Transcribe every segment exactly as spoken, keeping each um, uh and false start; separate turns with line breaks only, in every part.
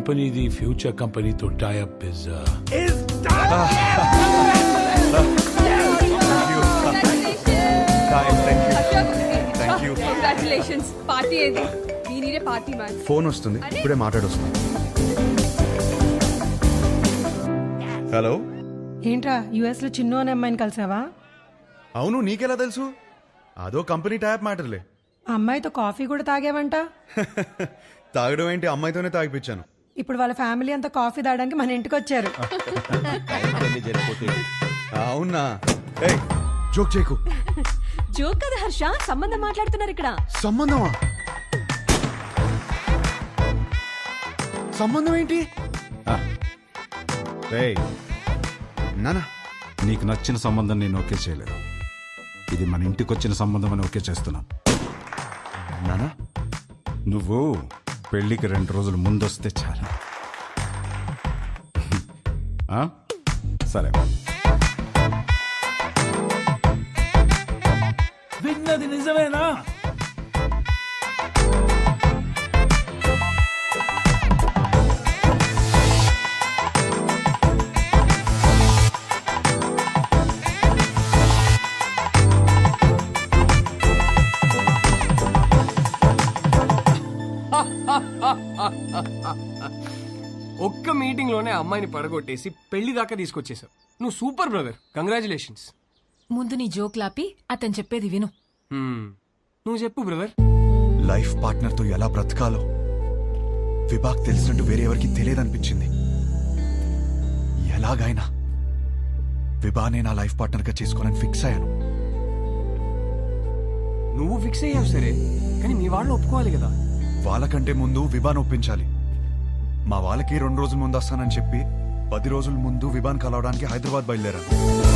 కంపెనీది ఫ్యూచర్ కంపెనీతో tie up is
congratulations. Party ఏది? దీనినే పార్టీ మ్యాన్.
ఫోన్ వస్తుంది, ఇప్పుడే మాట్లాడొస్తుంది. హలో,
ఏంట్రా యుఎస్ లో చిన్ను అనే అమ్మాయిని కలిసావా?
అవును, నీకెలా తెలుసు? అదో కంపెనీ ట్యాప్ మ్యాటర్లే.
ఆ అమ్మాయితో కాఫీ కూడా తాగేవంట.
తాగడం ఏంటి, అమ్మాయితోనే తాగిపించాను.
ఇప్పుడు వాళ్ళ ఫ్యామిలీ అంతా కాఫీ తాగడానికి మన ఇంటికి వచ్చారు.
అవునా? ఏయ్, జోక్ చేయకు.
జోక్ కదా హర్ష, సంబంధం మాట్లాడుతున్నారు ఇక్కడ.
సంబంధమా? సంబంధం ఏంటి? నానా,
నీకు నచ్చిన సంబంధం నేను ఓకే చేయలేదు. ఇది మన ఇంటికి వచ్చిన సంబంధం అని ఓకే చేస్తున్నాను.
నానా,
నువ్వు పెళ్లికి రెండు రోజులు ముందొస్తే చాలు. ఆ? సరే.
విన్నది నిజమేనా?
ఒక్క మీటింగ్ లోనే అమ్మాయిని పడగొట్టేసి పెళ్లి దాకా తీసుకొచ్చేసావు. నువ్వు సూపర్ బ్రదర్, కంగ్రాచులేషన్స్.
ముందు నీ జోక్ లాపి అతను చెప్పేది విను.
నువ్వు చెప్పు బ్రదర్.
లైఫ్ పార్ట్నర్ తో ఎలా బ్రతకాలో విభాగ్ తెలిసినట్టు వేరే ఎవరికి తెలియదనిపించింది. ఎలాగైనా విభానే నా లైఫ్ పార్ట్నర్ గా చేసుకోనని ఫిక్స్ అయ్యాను.
నువ్వు ఫిక్స్ అయ్యావు సరే, కానీ మీ వాళ్ళు ఒప్పుకోవాలి కదా.
వాళ్ళకంటే ముందు విభాన్ ఒప్పించాలి. మా వాళ్ళకి రెండు రోజుల ముందు వస్తానని చెప్పి పది రోజుల ముందు విభాన్ కలవడానికి హైదరాబాద్ బయలుదేరాను.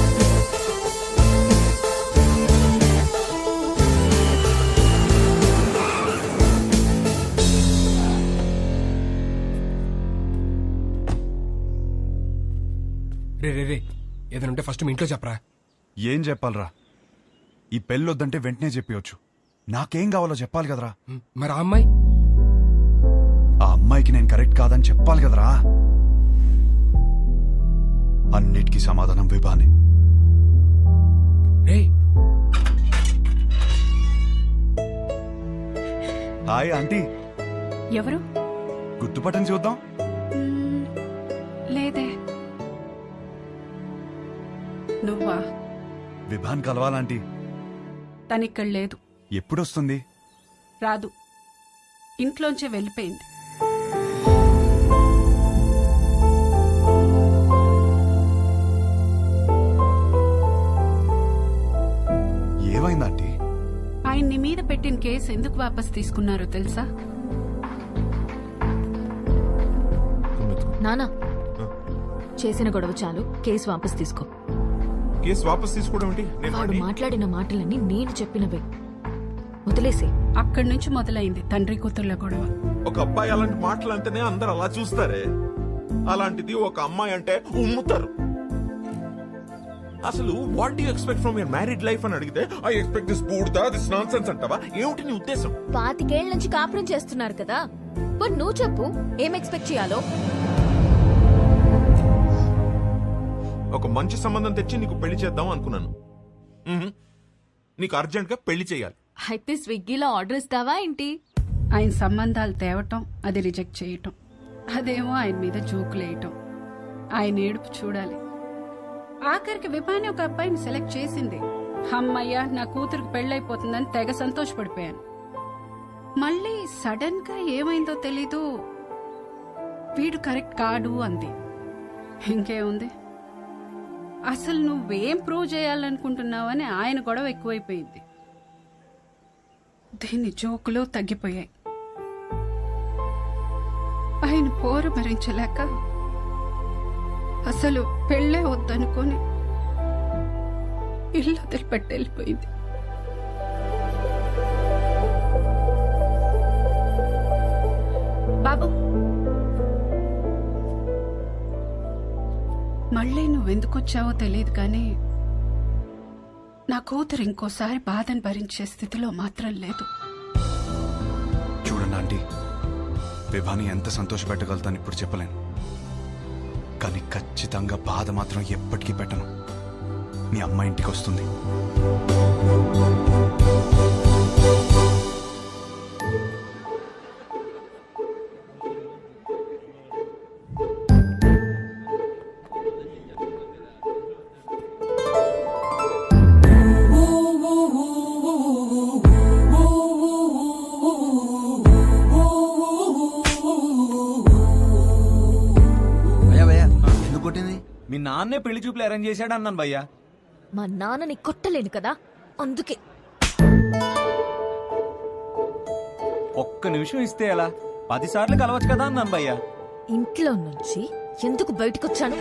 రే రే రే ఏదైనా ఫస్ట్ మీ ఇంట్లో చెప్పరా.
ఏం చెప్పాలరా? ఈ పెళ్ళొద్దంటే వెంటనే చెప్పవచ్చు. నాకేం కావాలో చెప్పాలి కదరా.
మరి ఆ అమ్మాయి?
ఆ అమ్మాయికి నేను కరెక్ట్ కాదని చెప్పాలి కదరా. అన్నిటికీ సమాధానం విభానే.
రే
హాయ్ ఆంటీ.
ఎవరు?
గుర్తుపట్టని చూద్దాం.
లేదే. నువ్వా?
విభాన్ కలవాలంటీ.
తనిక్కడ లేదు.
ఎప్పుడొస్తుంది?
రాదు, ఇంట్లోంచే వెళ్ళిపోయింది.
ఏమైందంటీ?
ఆయన్ని మీద పెట్టిన కేసు ఎందుకు వాపస్ తీసుకున్నారో తెలుసా?
నానా, చేసిన గొడవ చాలు, కేసు వాపస్ తీసుకో.
కేసు వాపస్ తీసుకోవడం ఏంటి?
వాడు మాట్లాడిన మాటలన్నీ నేను చెప్పినవే, వదిలేసే.
అక్కడి నుంచి మొదలైంది తండ్రి కూతుర్ల గొడవ.
ఒక అబ్బాయి అలాంటి మాటలు అంటేనే అందరు అలా చూస్తారే, అలాంటిది ఒక అమ్మాయి అంటే ఉమ్ముతారు. అసలు what do you expect from your married life అని అడిగితే ఐ ఎక్స్పెక్ట్ దిస్ బూడ్దా, దిస్ నాన్సెన్స్ అంటావా? ఏమిటి నీ ఉద్దేశం?
పాతికేళ్ల నుంచి కాపురం చేస్తున్నారు కదా, మరి నువ్వు చెప్పు ఏం ఎక్స్పెక్ట్ చేయాలో.
ఒక మంచి సంబంధం తెచ్చి నీకు పెళ్లి చేద్దాం అనుకున్నాను. నీకు అర్జెంట్ గా పెళ్లి చేయాలి.
అయితే స్విగ్గీలో ఆర్డర్ ఇస్తావా ఏంటి?
ఆయన సంబంధాలు తేవటం, అది రిజెక్ట్ చేయటం, అదేమో ఆయన మీద జోకులేయటం. ఆయన ఏడుపు చూడాలి. ఆఖరికి విభాని ఒక అబ్బాయిని సెలెక్ట్ చేసింది. అమ్మయ్య, నా కూతురికి పెళ్ళైపోతుందని తెగ సంతోషపడిపోయాను. మళ్ళీ సడన్ గా ఏమైందో తెలీదు, వీడు కరెక్ట్ కాడు అంది. ఇంకేముంది, అసలు నువ్వేం ప్రూవ్ చేయాలనుకుంటున్నావని ఆయన గొడవ ఎక్కువైపోయింది. దీని జోకులు తగ్గిపోయాయి. ఆయన పోరు భరించలేక అసలు పెళ్ళే వద్దనుకొని ఇల్లు వదిలిపెట్టి వెళ్ళిపోయింది. బాబు, మళ్ళీ నువ్వెందుకొచ్చావో తెలియదు కానీ నా కూతురు ఇంకోసారి బాధను భరించే స్థితిలో మాత్రం లేదు.
చూడండి ఆంటీ, విభాని ఎంత సంతోష పెట్టగలుగుతాను ఇప్పుడు చెప్పలేను, కానీ ఖచ్చితంగా బాధ మాత్రం ఎప్పటికీ పెట్టను. మీ అమ్మ ఇంటికి వస్తుంది.
భయ్యా భయ్యా ఎందుకు కొట్టింది? మీ నాన్నే పెళ్లి చూపులు అరేంజ్ చేశాడు అన్నాను భయ్యా.
మా నాన్నని కొట్టలేను కదా, అందుకే.
ఒక్క నిమిషం ఇస్తే ఎలా? పది సార్లు కలవచ్చు కదా అన్నాను భయ్యా.
ఇంట్లో నుంచి ఎందుకు బయటకొచ్చాను?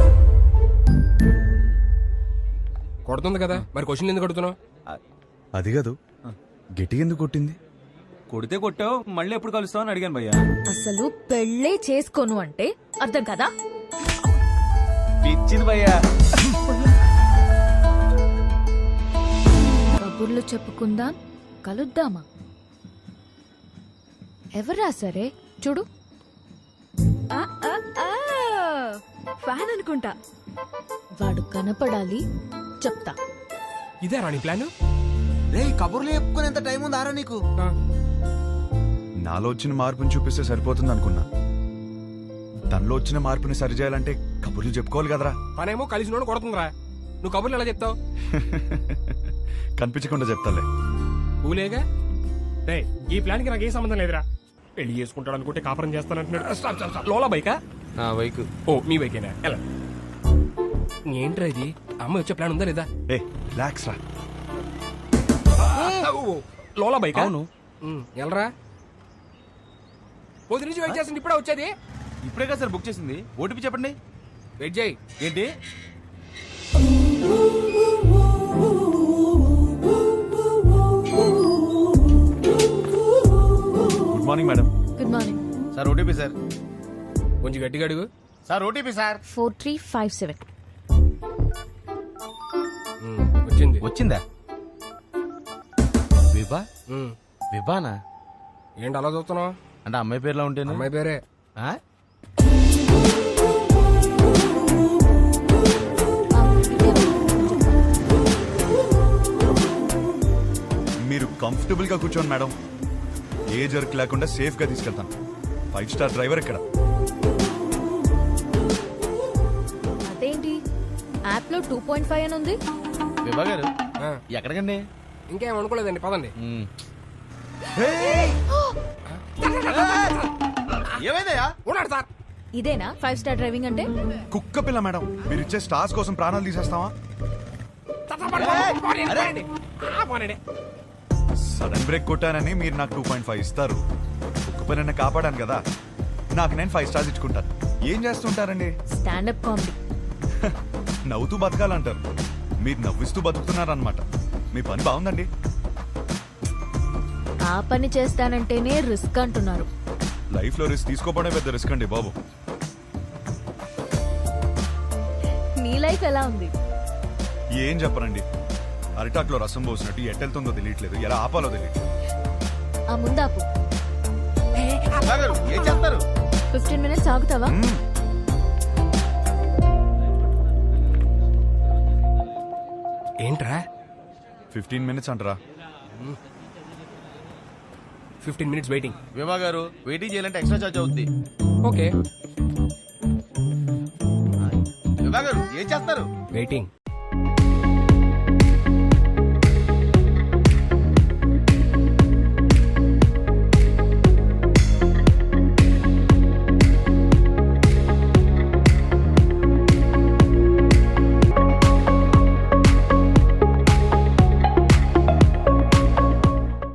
కొడుతుంది కదా, మరి క్వశ్చన్ ఎందుకు కొడుతున్నావు?
అది కాదు, గిటి ఎందుకు కొట్టింది?
కొడితే కొట్టావు, మళ్ళీ ఎప్పుడు కలుస్తావు అని అడిగాను భయ్యా.
అసలు పెళ్ళే చేసుకోను అంటే అర్థం కదా?
పిచ్చింది భయ్యా.
కబుర్లు చెప్పుకుందాం, కలుద్దామా? ఎవరా సరే చూడు. ఆ, ఆ, ఆ, ఫ్యాన్ అనుకుంటా. వాడు కనపడాలి, చెప్తా.
ఇదే రాణి ప్లాన్.
రే కబుర్లు చెప్పుకునేంత టైం ఉంది ఆరా నీకు?
నాలో వచ్చిన మార్పుని చూపిస్తే సరిపోతుంది అనుకున్నా. తనలో వచ్చిన మార్పుని సరిచేయాలంటే కబుర్లు చెప్పుకోవాలి కదరా.
పనేమో కలిసి నోడు కొడుతుందిరా, నువ్వు కబుర్లు ఎలా చెప్తావు?
కనిపించకుండా చెప్తాలే.
ఊలేగా రే, ఈ ప్లాన్ కి నాకు ఏ సంబంధం లేదురా. పెళ్లి చేసుకుంటాడు అనుకుంటే కాపురం చేస్తానంటున్నాడు. Stop, stop, stop. లోలా బైకా?
నా బైక్.
ఓ మీ బైకేనా? ఎలా ఏంట్రా ఇది? అమ్మ వచ్చే ప్లాన్ ఉందా లేదా?
ఏ రిలాక్స్ రా.
ఓ, ఓ, లోలా బైకా?
అవును.
ఉమ్, ఎలరా పొద్దు నుంచి వెయిట్ చేస్తుంది, ఇప్పుడే వచ్చేది.
ఇప్పుడే కదా సార్ బుక్ చేసింది. ఓటీపీ చెప్పండి.
వెయిట్ చేయి.
ఏంటి?
Good morning madam.
Good morning.
Sir OTP sir.
కొంచెం గట్టిగా అడుగు.
Sir OTP sir.
Four three five seven.
Um, వచ్చింది.
వచ్చిందా? విభా
ఉమ్,
విభానా
ఏంటి అలా చూస్తున్నావు?
అంటే అమ్మాయి పేరులో ఉంటేను.
అమ్మాయి పేరే.
ఆ?
మీరు కంఫర్టబుల్ గా కూర్చోండి మేడం. ఏ జర్క్ లేకుండా సేఫ్ గా తీసుకెళ్తాను. ఫైవ్ స్టార్ డ్రైవర్ ఇక్కడ.
అదేంటి యాప్ లో టూ పాయింట్ ఫైవ్ అని ఉంది?
విభా గారు
ఆ,
ఎక్కడికండి?
ఇంకేం అనుకోలేదండి, పదండి.
మ్,
ఏమైందయ్యా?
ఉన్నాడు సార్.
ఇదేనా ఫైవ్ స్టార్ డ్రైవింగ్ అంటే?
కుక్క పిల్ల మేడం, మీరు ఇచ్చే స్టార్స్ కోసం ప్రాణాలు తీసేస్తావా?
సార్, సార్, పడండి, పడండి, పడండి. ఆ, పడండి.
సడన్ బ్రేక్ కొట్టానని మీరు నాకు టూ పాయింట్ ఫైవ్ ఇస్తారు. కుక్క పిల్లని కాపాడాను కదా, నాకు నేను ఫైవ్ స్టార్స్ ఇచ్చుకుంటాను. ఏం చేస్తుంటారండి?
Stand up comedy.
నవ్వుతూ బతకాలంటారు, మీరు నవ్విస్తూ బతుకుతున్నారనమాట. మీ పని బాగుందండి.
ఆ పని చేస్తానంటేనే రిస్క్ అంటున్నారు.
లైఫ్ లో రిస్క్ తీసుకోవడమే పెద్ద రిస్క్ అండి బాబు.
నీ లైఫ్ ఎలా ఉంది?
ఏం చెప్పరండి, అరిటాక్లో రసం పోసినట్టు ఎట్టెళ్తుందో తెలియట్లేదు, ఎలా ఆపాలో తెలియట్లేదు.
ఆ ముందాపు.
విభా గారు ఏం చేస్తారు?
ఫిఫ్టీన్ మినిట్స్ ఆగుతావా?
మ్మ్.
ఏంట్రా
ఫిఫ్టీన్ మినిట్స్ అంటారా?
Fifteen minutes waiting.
విభా గారు వెయిటింగ్ చేయాలంటే ఎక్స్ట్రా చార్జ్ అవుద్ది.
ఓకే
విభా గారు ఏం చేస్తారు?
వెయిటింగ్.